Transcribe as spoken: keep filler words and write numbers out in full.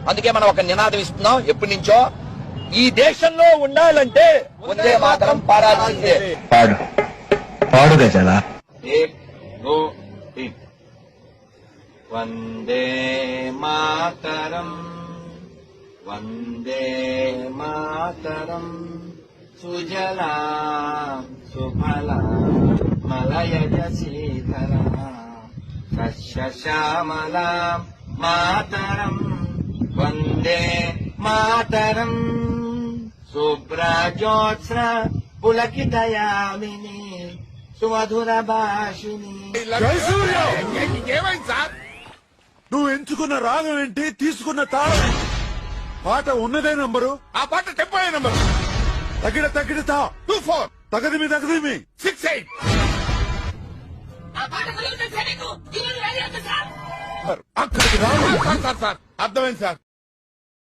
అందుకే మనం ఒక నినాదం ఇస్తున్నాం ఎప్పటి నుంచో, ఈ దేశంలో ఉండాలంటే వందే మాతరం పాడాల్సిందే. పాడు పాడు గజాల. వందే మాతరం వందే మాతరం సుజలా సుఫలా మలయజ శీతలా సస్యశ్యామలా మాతరం వందే మాతరం శుభ్రజ్యోత్స్న పులకితయామిని సుమధుర భాషిని. ఏమైంది సార్? నువ్వు ఎంచుకున్న రాగం ఏంటి, తీసుకున్న తాళం? పాట ఉన్నదే నంబరు, ఆ పాట టెంపో నంబరు. తగిడ తగిడ తా టూ ఫోర్ తగదిమి తగదిమి సిక్స్ ఎయిట్. అక్కడికి రావు. సార్ సార్ అర్థమైంది సార్.